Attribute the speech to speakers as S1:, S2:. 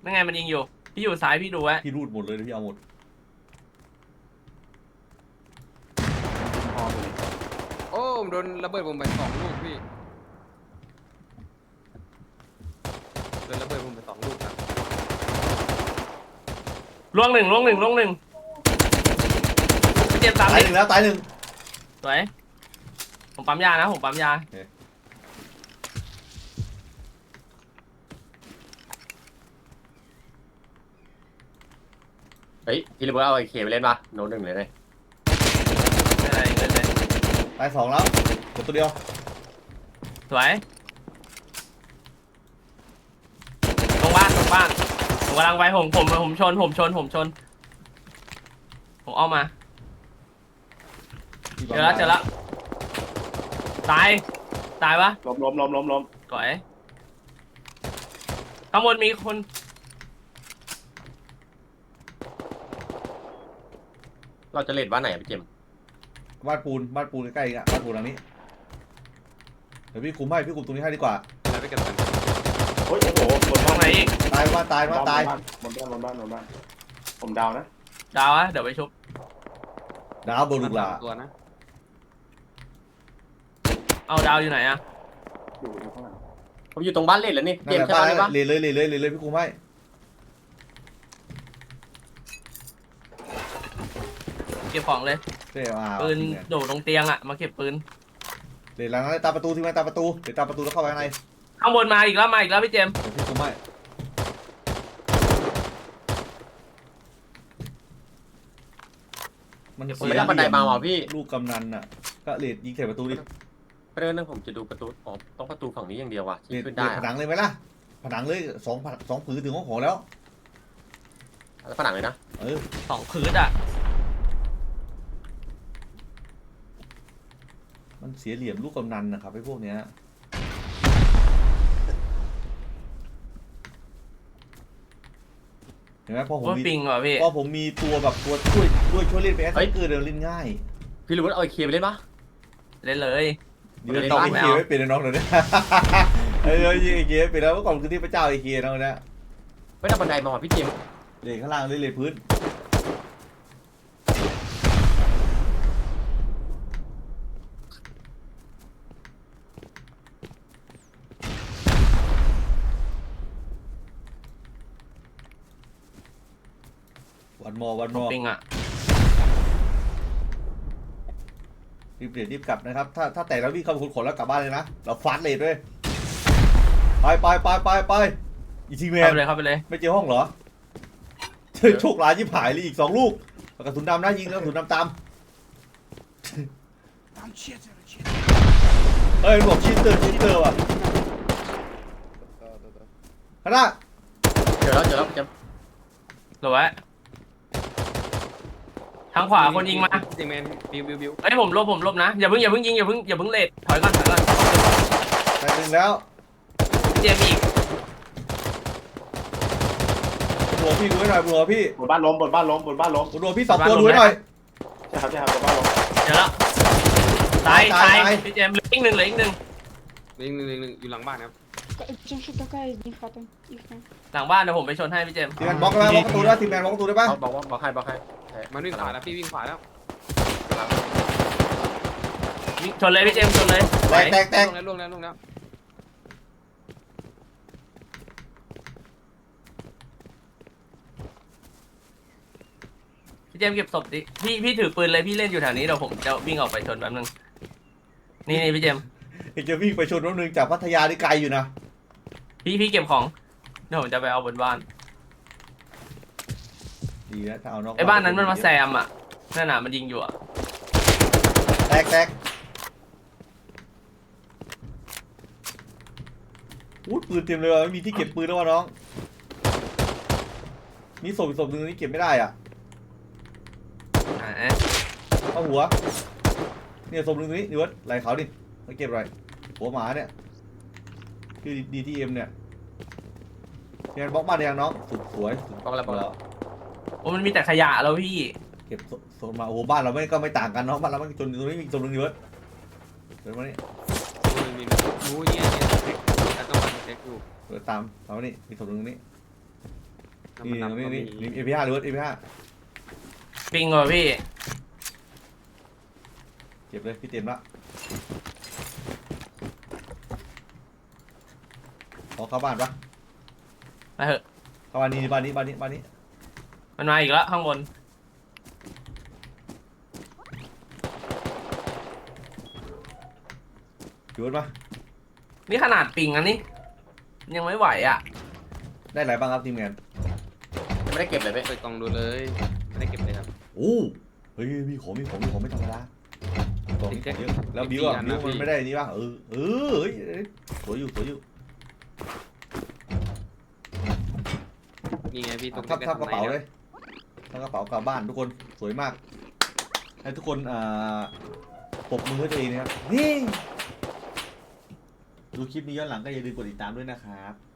S1: นั่นไงมันยิงอยู่พี่อยู่ซ้ายพี่ดูไว้
S2: พี่รูดหมดเลยพี่เอาหมด
S3: พอไปเลย
S4: โอ้ผมโดนระเบิดผมไป2 ลูกพี่โดนระเบิดผมไป2 ลูกครับ
S1: ล่วงหนึ่งพี่เจมส์ตาม
S2: ตาย
S1: ดิ
S2: หนึ่งแล้วตายหนึ่ง
S1: สวยผมปั๊มยานะผมปั๊มยา
S3: เฮ้ยพี่ระเบิดเอาไอเคไปเล่นปะโน้ตหนึ่งเลยเลย
S1: ไม่อะไรเงินเลย
S2: ตายสองแล้วหมดตัวเดียว
S1: สวยตรงบ้านผมกำลังไปผมชนผมเอามาเจอแล้วตายปะ
S5: ล้ม
S1: ก่อยข้างบนมีคน
S3: เราจะเล่นบ้านไหนอะพี่เจมส์
S2: บ้านปูนใกล้ๆอีกอ่ะบ้านปูนหลังนี้เดี๋ยวพี่คุมตรงนี้ให้ดีกว่า
S4: แล้วไปเก็บกัน
S5: โอ้ยโอ้โหบน
S1: ตร
S5: บ้าง น
S1: ไหนอีก
S2: ตายบนบ้าน
S5: ผมดาวนะ
S1: ดาวอะเดี๋ยวไปชุบ
S2: ดาวบนลูกหลา
S4: ตัวนะ
S1: เอาดาวอยู่ไหนอะ
S5: อยู่ข้างหลัง
S3: ผมอยู่ตรงบ้านเล่นแล้วนี่
S2: นั่
S3: เจ
S2: น
S3: ม
S2: แหละ
S3: ส์ใช่
S2: บ้าน
S3: บ้าน
S2: นั่น
S3: นี้
S2: แหละ
S3: ปะ
S2: เลยพี่คุมให้
S1: เก็บของเลย
S2: เดี๋ยว
S1: ปืนโดดลงเตียงอะมาเก็บปืน
S2: เดี๋ยวหลังนั้นตามประตูที่มันตามประตูเดี๋ยวตามประตูแล้วเข้าไปข้างใน
S1: ข้างบนมาอีกแล้วพี่เจมส์
S2: เดี๋ยวพี่คุมให้มัน
S3: ผม
S2: เสี
S3: ไม่
S2: ย
S3: ได้บันไดมาว่ะพี่
S2: ลูกกำนันอ่ะก็เลดยิงใส่ประตูดิ
S3: เรื่องนึงผมจะดูประตูอ๋อต้องประตูฝั่งนี้อย่างเดียวว่ะ
S2: เล
S3: ที่
S2: ด
S3: ขึ้น
S2: เล
S3: ได้
S2: ดผ
S3: อะ
S2: นังเลยไหมล่ะผนังเลยสองผืนถึงของแล้ว
S3: แล้วผนังเลยนะ
S1: 2 พื้นอะ
S2: มันเสียเหลี่ยมลูกกำนันนะครับไอ้พวกเนี้ยเห็นไหมพอผม
S1: ว่า
S2: มี
S1: ปิงว่ะพี่
S2: พอผมมีตัวแบบตัวช่วยเล่นไปแอสเกอร์เดินเล่นง่าย
S3: พี่ระเบิดเอาไอเคไปเล่นปะ
S1: เล่นเลย
S2: เดี๋ยวต้องไอเคียไม่เป็นน้องเลยเนี่ยเออยิงไอเคียเป็นแล้วเมื่อก่อนคือที่พระเจ้าไอเคียน้องเนี่ย
S3: ไม่ได้บันไดมาว่ะพี่เจมส์
S2: เลนข้างล่างเลยพื้นวันมอ
S1: ปิงอะ
S2: รีบเปลี่ยนรีบกลับนะครับถ้าแต่แล้ววิ่งเข้าไปขนแล้วกลับบ้านเลยนะเราฟาดเลทด้วยไปอีทีแม
S1: เข้าน ไปเลย
S2: ไม่เจอห้องเหรอโชคร้ายยิบหายเลยอีก2 ลูกกระสุนดำนะยิงแล้วกระสุนดำตามเฮ้ยบอกชิตเตอร์ว่ะคณะ
S3: เจอแล้วพี่เจมส์
S1: หรือวะทางขวาคนยิงมา
S4: จริงแมนบิว
S1: เอ้ยผมลบนะอย่าเพิ่งยิงอย่าเพิ่งเลทถอยก่อน
S2: แต่หนึ่งแล้ว
S1: เจมส์อีก
S2: หัวพี่ดูให้หน่อยหัวพี่
S5: บนบ้านล้ม
S2: หัวพี่2 ตัวดูให้หน่อย
S5: ใช่ครับบนบ้านล้ม
S1: เดี๋ยวแล้วตายพี่เจมส์เหลืออีกหนึ่ง
S4: ยิงอยู่หลังบ้านครับ
S6: Что такая из них хата? Их нет.
S1: หลังบ้านเดี๋ยวผมไปชนให้พี่เจมส์
S2: ทีมแมนบล็อกได้ไหมบล็อกประตูได้ทีมแมนบล็อกประตูได้ปะ
S3: บอกให้
S4: มันวิ่งขวาแล้วพี่วิ่งขวาแล้ว
S1: ชนเลยพี่เจมส์ชนเลย
S2: แตก
S4: ลงแล้ว
S1: พี่เจมส์เก็บศพดิพี่ถือปืนเลยพี่เล่นอยู่แถวนี้เดี๋ยวผมจะวิ่งออกไปชนแป๊บนึงนี่พี่เจมส์
S2: เอกจะวิ่งไปชนรถนึงจากพัทยาที่ไกลอยู่นะ
S1: พี่เก็บของเดี๋ยวผมจะไปเอาบนบ้าน
S2: ดีนะถ้าเอานอก
S1: ไอ้บ้านนั้นมันมาแซมอ่ะนั่นน่ะมันยิงอยู่อ่ะ
S2: แตกอู้ปืนเต็มเลยว่ะไม่มีที่เก็บปืนแล้ววะน้องมีศพหนึ่งนี่เก็บไม่ได้อ่ะ
S1: อ่า
S2: เอาหัวเนี่ยศพหนึ่งนี่ดิวะไหลเขาดิมาเก็บอะไรหัวหมาเนี่ยคือดีทีเอ็มเนี่ยงานบล็อกบ้านยังน้องสวย
S3: บอกแล้ว
S1: โอ้มันมีแต่ขยะแล้วพี่
S2: เก็บโซนมาโอ้โหบ้านเราไม่ต่างกันเนาะบ้านเราไม่จนตรงนี้มีศพหนึ่งดิวะเดี๋ยวมานี่
S4: มีรู้เนี่ยแต่ต้องมาเช็คอยู่
S2: เดี๋ยวตามเอานี่มีศพหนึ่งนี่นี่
S4: น้ำมัน
S2: นี่
S4: ดำก็
S2: นี่
S4: มี
S2: นี่ AP5 หรือว่า AP5
S1: ปิงก่อนพี่
S2: เก็บเลยพี่เต็มละขอเข้าบ้านปะ
S1: ไปเถอะ
S2: เข้าบ้านนี้บ้านนี้บ้านนี้บ้านนี้
S1: มันมาอีกแล้วข้างบน
S2: อยู่รถปะ
S1: นี่ขนาดปิงอันนี้ยังไม่ไหวอ่ะ
S2: ได้อะไรบ้างครับทีมงาน
S3: ไม่ได้เก็บเลยเว้ย
S4: เปิดกล่องดูเลยไม่ได้เก็บเลยครับ
S2: โอ้เฮ้ยมีของไม่ธรรมดาของมีของเยอะแล้วบิวอ่ะบิวมันไม่ได้นี่บ้างเฮ้ยสวยอยู่
S4: นี่ไงพี่ตรง
S2: ทับ
S4: ใล้
S2: กระเป๋า
S4: ๆ
S2: เลยทับกระเป๋ากลับบ้านทุกคนสวยมากให้ทุกคนปรบมือให้ตัวเองนะครับนี่ดูคลิปนี้ย้อนหลังก็อย่าลืมกดติดตามด้วยนะครับ